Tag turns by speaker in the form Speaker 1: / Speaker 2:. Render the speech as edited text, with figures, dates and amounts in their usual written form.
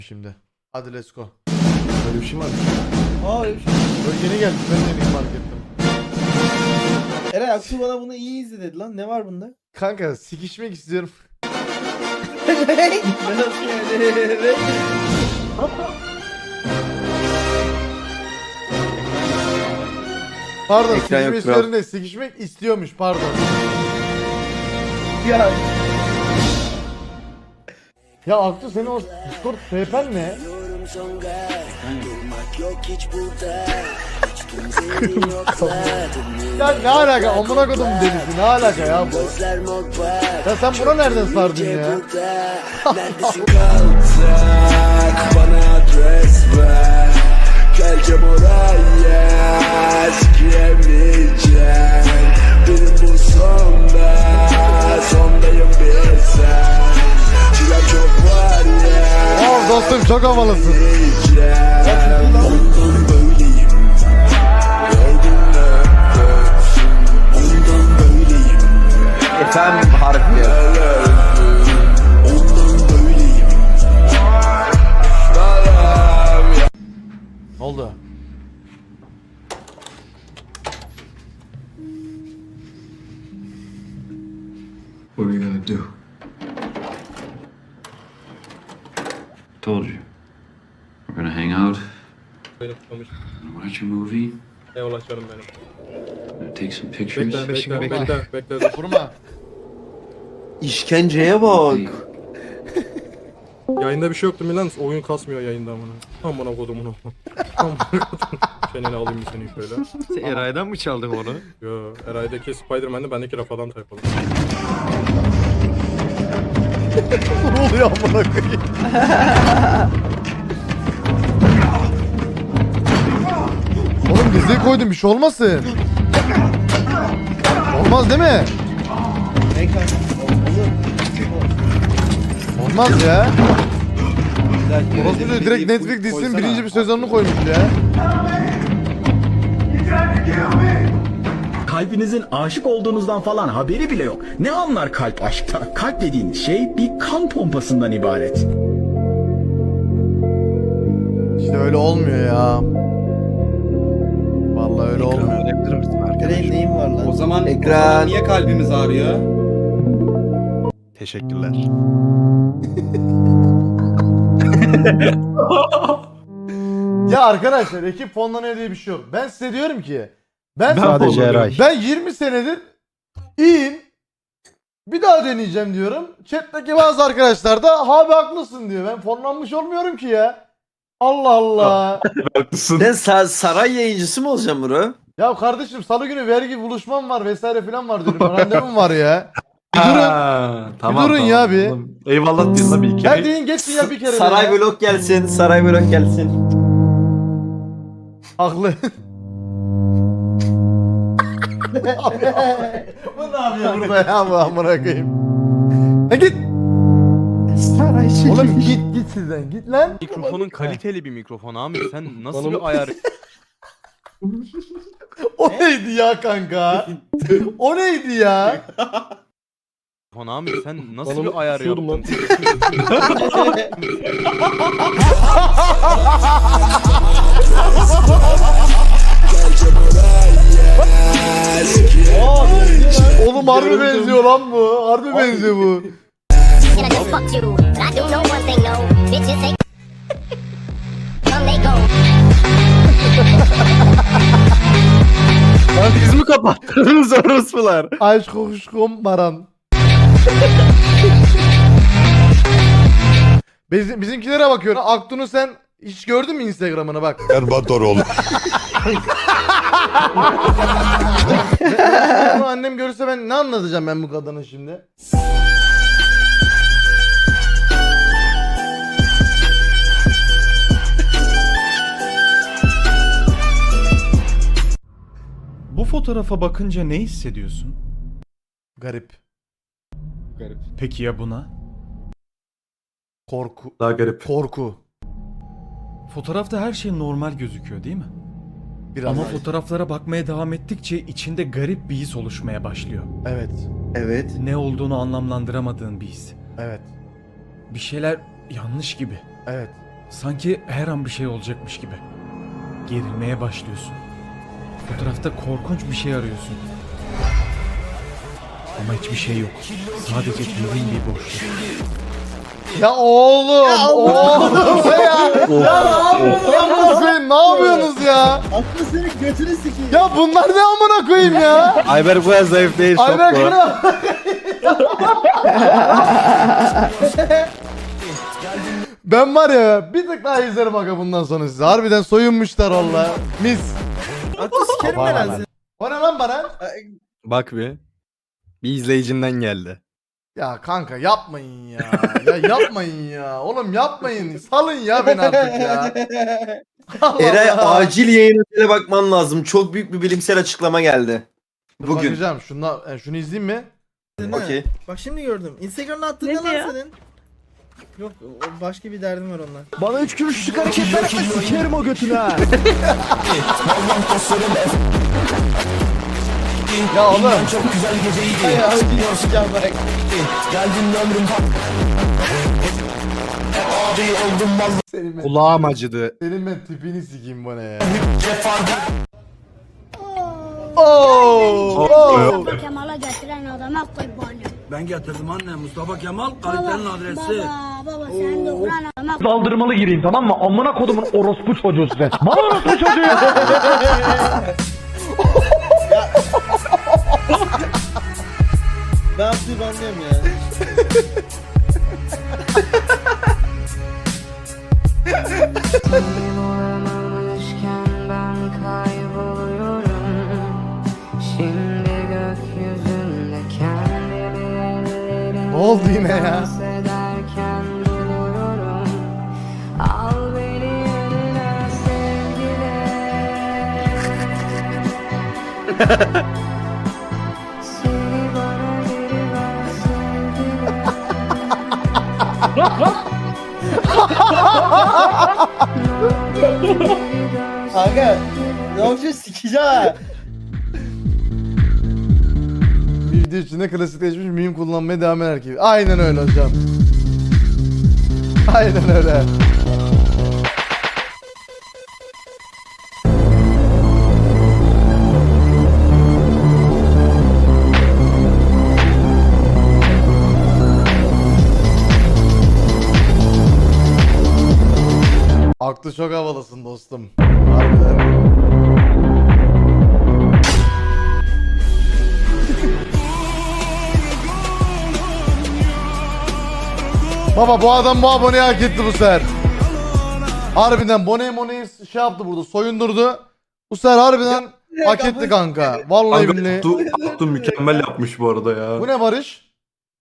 Speaker 1: şimdi. Hadi let's go.
Speaker 2: Böyle bir şey mi var?
Speaker 3: Aa öyle bir şey.
Speaker 1: Böyle yeni geldi. Ben de yeni fark ettim.
Speaker 3: Eray Aksu bana bunu iyi izle dedi lan. Ne var bunda?
Speaker 1: Kanka sikişmek istiyorum.
Speaker 3: Nasıl yani?
Speaker 1: Pardon,
Speaker 2: Ekran yok,
Speaker 1: sikişmek
Speaker 2: kral.
Speaker 1: istiyorum değil, sikişmek istiyormuş, pardon.
Speaker 3: Ya
Speaker 1: Ya Aktu senin o Discord PayPal ne? Ya ne alaka, amına kodum delisi, ne alaka ya bu? Ya sen buna nereden sardın ya?
Speaker 4: Neredesin kalacak? Bana adres ver. Geleceğim oraya. Sikiyemeyeceğim. Benim bu sonda. Sondayım bir sen. Çilem çok var ya.
Speaker 1: Oh dostum çok havalısın.
Speaker 4: Ondan böyleyim. Gördün mü? Ondan böyleyim.
Speaker 2: Efendim harfi.
Speaker 4: Ondan böyleyim.
Speaker 1: Ne oldu?
Speaker 5: What are you gonna do?
Speaker 6: Told you. We're gonna hang out,
Speaker 7: Beni tutmamış.
Speaker 6: gonna watch a movie,
Speaker 7: Eyvallah canım benim.
Speaker 6: gonna take some pictures.
Speaker 7: Bekle.
Speaker 1: Vurma.
Speaker 2: İşkenceye bak.
Speaker 7: Yayında bir şey yoktu Milan. Oyun kasmıyor yayında amına. Amına kodumun. Amına kodum. Çeneni alayım bir seni şöyle.
Speaker 5: Sen Eray'dan mı çaldın onu?
Speaker 7: Yo, Eray'daki Spider-Man'de bendeki Rafa'dan tayfalı.
Speaker 1: Ne oluyor amına koyayım? Oğlum diziyi koydum, bir şey olmasın. Olmaz değil mi?
Speaker 3: ne kanka?
Speaker 1: Olmaz ya.
Speaker 3: Olur.
Speaker 1: Orası diyor, direkt Netflix dizisinin birinci bir sezonunu koymuş ya.
Speaker 8: Kalbinizin aşık olduğunuzdan falan haberi bile yok. Ne anlar kalp aşkta? Kalp dediğiniz şey bir kan pompasından ibaret.
Speaker 1: İşte öyle olmuyor ya. Vallahi öyle olmuyor.
Speaker 2: Verebilir misin
Speaker 3: Eray'ın neyin var lan?
Speaker 9: O zaman
Speaker 2: Ekran.
Speaker 9: niye kalbimiz ağrıyor?
Speaker 5: Teşekkürler.
Speaker 1: Ya arkadaşlar, ekip fonlanıyor diye bir şey yok. Ben size diyorum ki ben
Speaker 5: Sadece Eray.
Speaker 1: Ben 20 senedir iyiyim. Bir daha deneyeceğim diyorum. Chat'teki bazı arkadaşlar da abi haklısın diyor. Ben fonlanmış olmuyorum ki ya. Allah Allah.
Speaker 2: Sen saray yayıncısı mı olacaksın bro?
Speaker 1: Ya kardeşim, salı günü vergi buluşmam var vesaire filan var diyorum. Randevum var ya. Bir durun. Bir durun ya bir.
Speaker 5: Eyvallah diyorsun tabii ki.
Speaker 1: Gel deyin geçsin ya bir kere.
Speaker 2: Saray
Speaker 1: ya.
Speaker 2: vlog gelsin. Saray vlog gelsin.
Speaker 1: Haklı. Bu ne yapıyor burada ya, bu amına koyayım? Ha git.
Speaker 2: Saray
Speaker 1: Oğlum git sizden, git lan.
Speaker 10: Mikrofonun kaliteli bir mikrofon abi. Sen nasıl
Speaker 7: Bana
Speaker 10: bir ayar...
Speaker 1: O neydi ya kanka? O neydi ya?
Speaker 10: Mikrofon abi sen nasıl
Speaker 7: Bana
Speaker 10: bir ayar
Speaker 7: kusuyordum
Speaker 10: yaptın?
Speaker 1: Oğlum harbi benziyor lan bu. Harbi benziyor bu.
Speaker 11: And I just fucked you. But I do know one thing, no. Bitches ain't come, they go.
Speaker 5: Lan siz mi kapattınız orospular?
Speaker 1: Aşk kokuşkum baran. Bizimkilere bakıyorum. Aktun'u sen hiç gördün mü Instagram'ını, bak.
Speaker 4: Erbatoroğlu.
Speaker 1: Bunu annem görürse ben ne anlatacağım ben bu kadına şimdi?
Speaker 8: Bu fotoğrafa bakınca ne hissediyorsun?
Speaker 1: Garip.
Speaker 8: Peki ya buna?
Speaker 1: Korku.
Speaker 5: Daha garip.
Speaker 1: Korku.
Speaker 8: Fotoğrafta her şey normal gözüküyor değil mi?
Speaker 1: Biraz.
Speaker 8: Ama fotoğraflara bakmaya devam ettikçe içinde garip bir his oluşmaya başlıyor.
Speaker 1: Evet.
Speaker 2: Evet.
Speaker 8: Ne olduğunu anlamlandıramadığın bir his.
Speaker 1: Evet.
Speaker 8: Bir şeyler yanlış gibi.
Speaker 1: Evet.
Speaker 8: Sanki her an bir şey olacakmış gibi. Gerilmeye başlıyorsun. Fotoğrafta korkunç bir şey arıyorsun. Ama hiçbir şey yok. Sadece derin bir boşluk.
Speaker 1: Ya oğlum. Ya ne yapıyorsunuz ya?
Speaker 3: Aklı senin götünü sikeyim.
Speaker 1: Ya bunlar ne amına koyayım ya?
Speaker 5: Ayber bu kadar zayıf değil.
Speaker 1: Ayber
Speaker 5: şok bu.
Speaker 1: kral. Ben var ya bir tık daha izlerim aga bundan sonra size. Harbiden soyunmuşlar valla. Mis.
Speaker 3: Aklı sikerim ben lan seni.
Speaker 1: O ne lan bana?
Speaker 5: Bak bir. Bir izleyicinden geldi.
Speaker 1: Ya kanka yapmayın ya. Ya yapmayın ya. Oğlum yapmayın. Salın ya beni artık ya. Allah
Speaker 2: Eray
Speaker 1: Allah.
Speaker 2: acil yayın ötele bakman lazım. Çok büyük bir bilimsel açıklama geldi.
Speaker 1: Dur
Speaker 2: Bugün.
Speaker 1: bakacağım. Şunu izleyeyim mi?
Speaker 2: Okey.
Speaker 3: Bak şimdi gördüm. Instagram'da attığın ne lan senin? Yok o başka bir derdim var onunla.
Speaker 8: Bana 3 kuruşluk hareketler yapma sikerim o götüne.
Speaker 1: Ya oğlum.
Speaker 3: Ay abi yapacağım bak.
Speaker 1: Senin ben,
Speaker 5: Kulağım acıdı.
Speaker 1: senin ben tipini sikeyim bu ne ya. Oo.
Speaker 11: Kemal'a getiren adama kurbanım.
Speaker 4: Ben getirdim anne. Mustafa Kemal
Speaker 11: Baba, baba sen de vuran adama
Speaker 8: Saldırmalı gireyim tamam mı? Amına kodumun orospu çocuğu size. Mal orospu çocuğu.
Speaker 3: Ben yaptığımı anlıyorum ya.
Speaker 1: Ne oldu yine ya?
Speaker 3: Kanka ne yapıyorsun sikeceğim ha.
Speaker 1: Bir video içinde klasikleşmiş meme kullanmaya devam eder ki. Aynen öyle hocam. Aynen öyle. Aklı çok havalısın dostum. Harbiden. Baba bu adam bu aboneyi hak etti bu sefer. Harbiden Bone'yi şey yaptı burada soyundurdu. Bu sefer harbiden hak etti kanka. Vallahi billahi.
Speaker 6: Abdü mükemmel yapmış bu arada ya.
Speaker 1: Bu ne Barış?